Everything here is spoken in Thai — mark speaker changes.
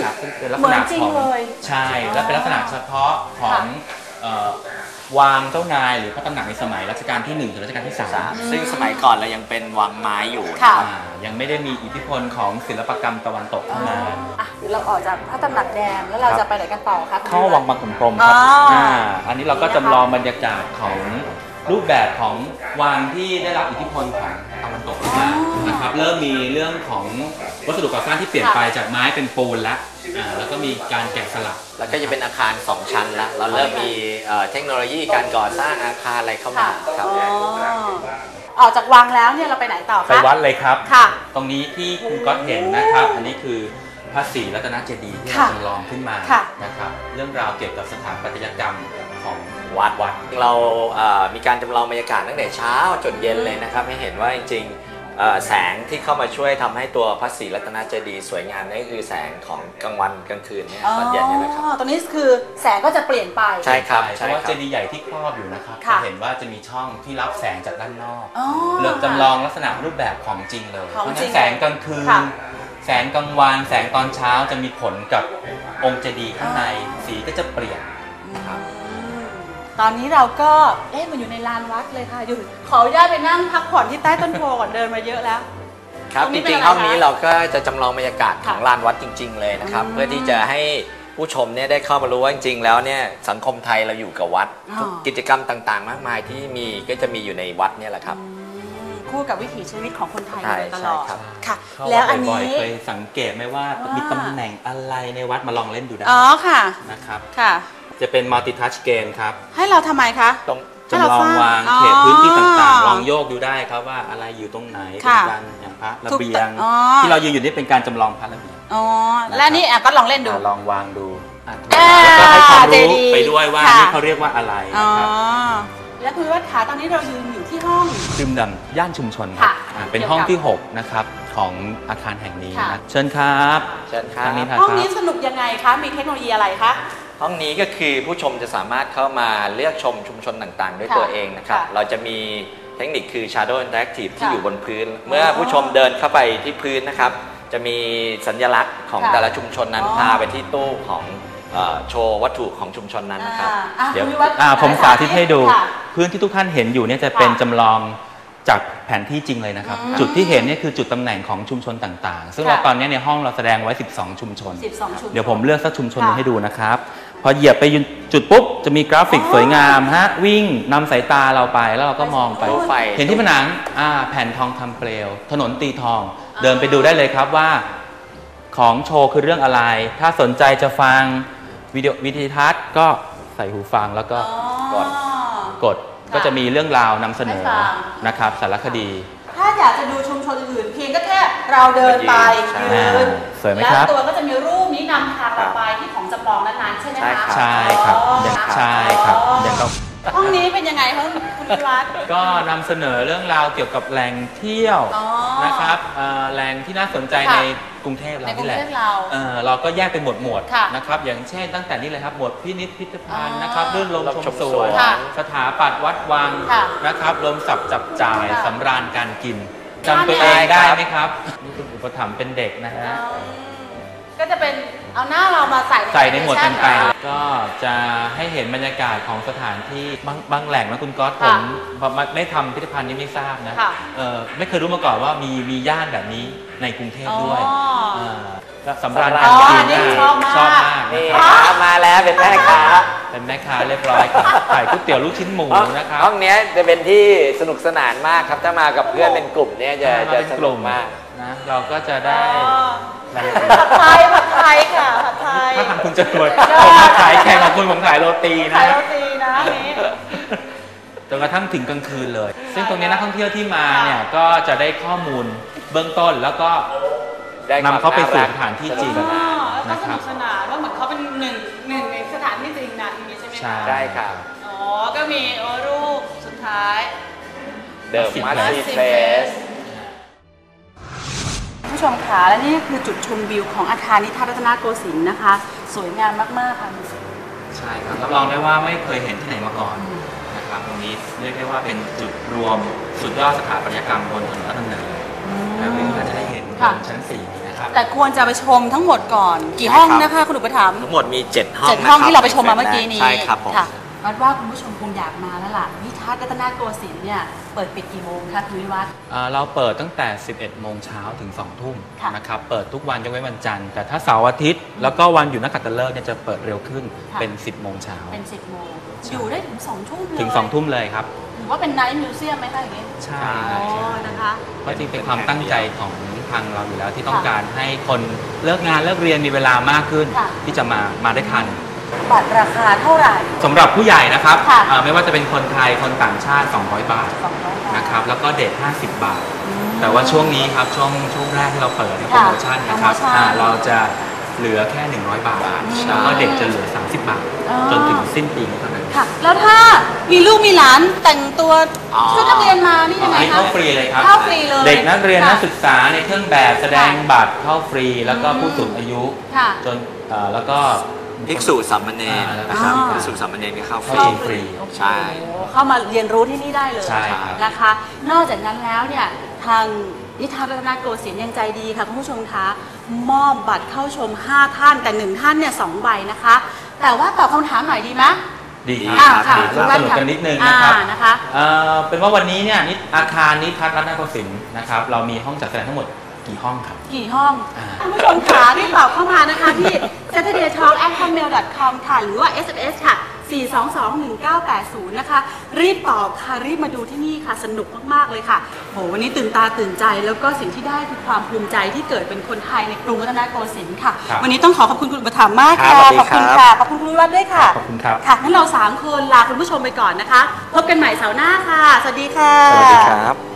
Speaker 1: นะครับซึ่งเป็นลักษณะของใช่และเป็นลักษณะเฉพาะของวางเจ้านายหรือพระตำหนักในสมัยรัชกาลที่1ถึงรัชกาลที่3
Speaker 2: ซึ่งสมัยก่อนเรายังเป็นวังไม้อยู่
Speaker 1: ยังไม่ได้มีอิทธิพลของศิลปกรรมตะวันตกเข้ามา
Speaker 3: เดี๋ยวเราออกจากพระตำหนักแดงแล้วเราจะไปไหนกันต่อคะ
Speaker 1: เข้าวังบางขุนพรหมครับอันนี้เราก็จำลองบรรยากาศของรูปแบบของวังที่ได้รับอิทธิพลของตะวันตกมานะครับเริ่มมีเรื่องของวัสดุก่อสร้างที่เปลี่ยนไปจากไม้เป็นปูนแล้วก็มีการแกะสลัก
Speaker 2: แล้วก็จะเป็นอาคาร2ชั้นแล้วเราเริ่มมีเทคโนโลยีการก่อสร้างอาคารอะไรเข้ามาครับ
Speaker 3: ออกจากวังแล้วเนี่ยเราไปไหนต่อคะ
Speaker 1: ไปวัดเลยครับตรงนี้ที่คุณก๊อตเห็นนะครับอันนี้คือพระศรีรัตนเจดีย์ที่เราจำลองขึ้นมานะครับเรื่องราวเกี่ยวกับสถาปัตยกรรมของวัด
Speaker 2: เรามีการจำลองบรรยากาศตั้งแต่เช้าจนเย็นเลยนะครับให้เห็นว่าจริงแสงที่เข้ามาช่วยทำให้ตัวพระศรีรัตนเจดีย์สวยงามนี่คือแสงของกลางวันกลางคืนเนี่ยตอนเย็นนี่นะครับ
Speaker 3: ตรงนี้คือแสงก็จะเปลี่ยนไป
Speaker 2: ใช่ครับ
Speaker 1: เพราะว่าเจดีย์ใหญ่ที่ครอบอยู่นะครับจะเห็นว่าจะมีช่องที่รับแสงจากด้านนอกเลือกจำลองลักษณะรูปแบบของจริงเลยเพราะฉะนั้นแสงกลางคืนแสงกลางวันแสงตอนเช้าจะมีผลกับองค์เจดีย์ข้างในสีก็จะเปลี่ยนครับ
Speaker 3: ตอนนี้เราก็มันอยู่ในลานวัดเลยค่ะอยู่ขออนุญาตไปนั่งพักผ่อนที่ใต้ต้นโพก่อนเดินมาเยอะแล้ว
Speaker 2: ครับจริงๆห้องนี้เราก็จะจำลองบรรยากาศของลานวัดจริงๆเลยนะครับเพื่อที่จะให้ผู้ชมเนี่ยได้เข้ามารู้ว่าจริงๆแล้วเนี่ยสังคมไทยเราอยู่กับวัดกิจกรรมต่างๆมากมายที่มีก็จะมีอยู่ในวัดเนี่ยแหละครับ
Speaker 3: คู่กับวิถีชีวิตของคนไทยตลอด
Speaker 1: ค่ะแล้วอันนี้เคยสังเกตไหมว่ามีตำแหน่งอะไรในวัดมาลองเล่นดูได้
Speaker 3: ค่ะ
Speaker 1: นะครับ
Speaker 3: ค่ะ
Speaker 1: จะเป็น multi touch game ครับ
Speaker 3: ให้เราทำไมคะ
Speaker 1: จำลองวางเขตพื้นที่ต่างๆลองโยกดูได้ครับว่าอะไรอยู่ตรงไหนเป็นการอย่างพระระเบียงที่เรายืนอยู่นี่เป็นการจำลองพระระเบียง
Speaker 3: และนี่ก็ลองเล่นดู
Speaker 1: ลองวางดูแล้วก็ให้ความรู้ไปด้วยว่านี่เขาเรียกว่าอะไรนะครับ
Speaker 3: และคุณวัดขาตอนนี้เรายืนอยู่ที่ห้อง
Speaker 1: ดื่มด่ำย่านชุมชนครับเป็นห้องที่6นะครับของอาคารแห่งนี้นะเชิญครับ
Speaker 2: เชิญครับ
Speaker 3: ห้องนี้สนุกยังไงคะมีเทคโนโลยีอะไรคะ
Speaker 2: ห้องนี้ก็คือผู้ชมจะสามารถเข้ามาเลือกชมชุมชนต่างๆด้วยตัวเองนะครับเราจะมีเทคนิคคือ Shadow Interactive ที่อยู่บนพื้นเมื่อผู้ชมเดินเข้าไปที่พื้นนะครับจะมีสัญลักษณ์ของแต่ละชุมชนนั้นพาไปที่ตู้ของโชว์วัตถุของชุมชนนั้นนะครับ
Speaker 1: เดี๋ยวผมสาธิตให้ดูพื้นที่ทุกท่านเห็นอยู่เนี่ยจะเป็นจำลองจากแผนที่จริงเลยนะครับจุดที่เห็นนี่คือจุดตำแหน่งของชุมชนต่างๆซึ่งเราตอนนี้ในห้องเราแสดงไว้12ชุมชนเดี๋ยวผมเลือกสักชุมชนนึงให้ดูนะครับพอเหยียบไปจุดปุ๊บจะมีกราฟิกสวยงามวิ่งนำสายตาเราไปแล้วเราก็มองไปเห็นที่ผนังแผ่นทองคำเปลวถนนตีทองเดินไปดูได้เลยครับว่าของโชว์คือเรื่องอะไรถ้าสนใจจะฟังวิดีทัศน์ก็ใส่หูฟังแล้วก็กดก็จะมีเรื่องราวนำเสนอนะครับสารคดี
Speaker 3: ถ้าอยากจะดูชุมชนอื่นเพียงก็แค่เราเดินไปยืน
Speaker 1: สวยไหมครับ
Speaker 3: แล้วตัวก็จะมีรูปนี้นำทางเราไปที่ของจำลองนั้นๆใช่ไหมคะ
Speaker 1: ใช่ครับใช่ครับ
Speaker 3: ห้องนี้เป็นยังไงคะคุณวัด
Speaker 1: ก็นำเสนอเรื่องราวเกี่ยวกับแหล่งเที่ยวนะครับแหล่งที่น่าสนใจในกรุงเทพเราที่แหละเราก็แยกเป็นหมวดนะครับอย่างเช่นตั้งแต่นี้เลยครับหมวดพิพิธภัณฑ์นะครับเรื่องลมชมสวนสถาปัตย์วัดวังนะครับรวมศัพท์จับจ่ายสำราญการกินจำตัวเองได้ไหมครับนี่คุณอุปถัมภ์เป็นเด็กนะฮะ
Speaker 3: ก็จะเป็นเอาหน้าเรามาใส่
Speaker 1: ในหมวดต่างๆก็จะให้เห็นบรรยากาศของสถานที่บางแหล่งนะคุณก๊อตผมไม่ทำพิพิธภัณฑ์นี้ไม่ทราบนะไม่เคยรู้มาก่อนว่ามีย่านแบบนี้ในกรุงเทพด้วยสำราญการกินชอบมาก
Speaker 2: นี่มาแล้วเป็นแม่ค้า
Speaker 1: เรียบร้อยครับขายก๋วยเตี๋ยวลูกชิ้นหมูนะครับ
Speaker 2: ห้องนี้จะเป็นที่สนุกสนานมากครับถ้ามากับเพื่อนเป็นกลุ่มเนี่ยจะสนุกมาก
Speaker 1: นะเราก็จะได้
Speaker 3: ผัดไทยค่ะผัดไทย
Speaker 1: ถ้าทางคุณจะรวยผมมาขายแข่งกับคุณผมขายโรตีนะ
Speaker 3: นี้
Speaker 1: จนกระทั่งถึงกลางคืนเลยซึ่งตรงนี้นักท่องเที่ยวที่มาเนี่ยก็จะได้ข้อมูลเบื้องต้นแล้วก็นำเขาไปสู่สถานที่จริง
Speaker 3: นะครับสนานว่าเหมือนเขาเป็นหนึ่งในสถานที่จริงนั้นใช่ไหม
Speaker 1: ใช่ได้
Speaker 2: ครับ
Speaker 3: ก็มีรูปสุดท้าย
Speaker 2: The Massy Place
Speaker 3: ผู้ชมคะและนี่คือจุดชมวิวของอาคารนิทรรศรัตนโกสินทร์นะคะสวยงามมากๆค่ะ
Speaker 1: ใช่ครับรับรองได้ว่าไม่เคยเห็นที่ไหนมาก่อนนะครับตรงนี้เรียกได้ว่าเป็นจุดรวมสุดยอดสถาปัตยกรรมบนถนนราชดำเนินและเพื่อนๆจะได้เห็นบนชั้น4นะ
Speaker 2: นะครับ
Speaker 3: แต่ควรจะไปชมทั้งหมดก่อนกี่ห้องนะคะคุณอุปถัมภ์
Speaker 2: ทั้งหมดมี 7 ห้อง
Speaker 3: 7 ห้องที่เราไปชมมาเมื่อกี้นี้
Speaker 2: ใช่ครับผม
Speaker 3: ค่ะวัดว่าคุณผู้ชมคงอยากมาแล้วล่ะนิทัศน์รัตนโกสินทร์เนี่ยเปิดปิดกี่โมงคะคุณวิวัฒน์
Speaker 1: เราเปิดตั้งแต่ 11 โมงเช้าถึง 2 ทุ่ม
Speaker 3: ค่ะ
Speaker 1: นะครับ เปิดทุกวันยกเว้นวันจันทร์ แต่ถ้าเสาร์อาทิตย์ แล้วก็วันหยุดนักขัตฤกษ์เนี่ยจะเปิดเร็วขึ้น
Speaker 3: ค่ะ
Speaker 1: เป็น 10 โมงเช้า
Speaker 3: เป็น 10 โมงอยู่ได้ถึง 2 ทุ่มเลย
Speaker 1: ถึง 2 ทุ่มเลยครับ
Speaker 3: หรือว่าเป็นไนท์มิวเซียมไหมคะอย่างนี้
Speaker 1: ใช่
Speaker 3: อ๋อนะคะ
Speaker 1: เพราะจริงเป็นความตั้งใจของทางเราอยู่แล้วที่ต้องการให้คนเลิกงานเลิกเรียนมีเวลามากขึ้น
Speaker 3: ค่ะ
Speaker 1: ที่จะมาได้ทัน
Speaker 3: บัตรราคาเท่าไหร่
Speaker 1: สำหรับผู้ใหญ่นะครับ
Speaker 3: ค่ะ
Speaker 1: ไม่ว่าจะเป็นคนไทยคนต่างชาติ 200 บาท
Speaker 3: 200 บาท
Speaker 1: นะครับแล้วก็เด็ก 50 บาท
Speaker 3: อืม
Speaker 1: แต่ว่าช่วงนี้ครับช่วงแรกที่เราเปิดโปร
Speaker 3: ค่ะ
Speaker 1: โมชั่นนะครับ
Speaker 3: โปรโมชั่น
Speaker 1: เราจะเหลือแค่ 100 บาท แล้วก็เด็กจะเหลือ 30 บาท
Speaker 3: อ๋อ
Speaker 1: จนถึงสิ้นปีนี้เท่านั้น
Speaker 3: ค่ะ แล้วถ้ามีลูกมีหลานแต่งตัว
Speaker 2: อ๋อ
Speaker 3: ชุดนักเรียนมานี่ยังไง
Speaker 1: ให้
Speaker 3: คะ
Speaker 1: เข้าฟรีเลยครับ
Speaker 3: เข้าฟรีเลย
Speaker 1: เด็กนักเรียน
Speaker 3: ค่ะ
Speaker 1: นักศึกษาในเครื่องแบบแสดง
Speaker 3: ค่ะ
Speaker 1: บัตรเข้าฟรี แล้วก็
Speaker 3: อืม
Speaker 1: ผู้สูงอายุ
Speaker 3: ค่ะ
Speaker 1: จนแล้วก็
Speaker 2: ภิกษุสามเณรนะครับ
Speaker 3: อ่า
Speaker 2: ภิกษุสามเณรก็เข้าฟ
Speaker 1: เข้า
Speaker 2: รี
Speaker 1: ฟรี
Speaker 2: ใช่
Speaker 3: โอ้โหเข้ามาเรียนรู้ที่นี่ได้เลย
Speaker 1: ใช่ครับ
Speaker 3: นะคะ นอกจากนั้นแล้วเนี่ยทางนิทัศน์รัตนโกสินทร์ยังใจดีค่ะคุณผู้ชมคะมอบบัตรเข้าชม 5 ท่านแต่ 1 ท่านเนี่ย2ใบนะคะ แต่ว่าตอบคำถามหน่อยดีไหม
Speaker 1: ดีค
Speaker 2: อ่า
Speaker 1: รับ
Speaker 3: ค่ะ
Speaker 1: ดีครับสนุกกันนิดนึงนะครับ
Speaker 3: นะคะ
Speaker 1: เป็นว่าวันนี้เนี่ยอาคารนิทัศน์รัตนโกสินทร์นะครับเรามีห้องจัดแสดงทั้งหมดกี่ห้องครับ
Speaker 3: กี่ห้อง
Speaker 1: อ่า
Speaker 3: คุณผู้ชมขารีบตอบเข้ามานะคะที่ saturdaytalk@hotmail.com ค่ะหรือว่า SMS ค่ะ 4221980 นะคะ รีบตอบค่ะ รีบมาดูที่นี่ค่ะ สนุกมากๆเลยค่ะโหวันนี้ตื่นตาตื่นใจ แล้วก็สิ่งที่ได้คือความภูมิใจที่เกิดเป็นคนไทยในกรุงรัตนโกสินทร์ค่ะ
Speaker 1: ครับ
Speaker 3: วันนี้ต้องขอบคุณคุณอุปถัมภ์มาก
Speaker 2: ครั
Speaker 3: ค่ะ
Speaker 2: บสวัสดี
Speaker 3: ขอบคุณ
Speaker 2: ครับ
Speaker 3: ค่ะ ขอบคุณคุณวิวัฒน์ด้วยค่ะ
Speaker 1: ขอบคุณครับ
Speaker 3: ค่ะงั้นเรา3 คนลาคุณผู้ชมไปก่อนนะคะ พบกันใหม่เสาร์หน้าค่ะ สวัสดีค่ะ
Speaker 2: สวัสดีครับ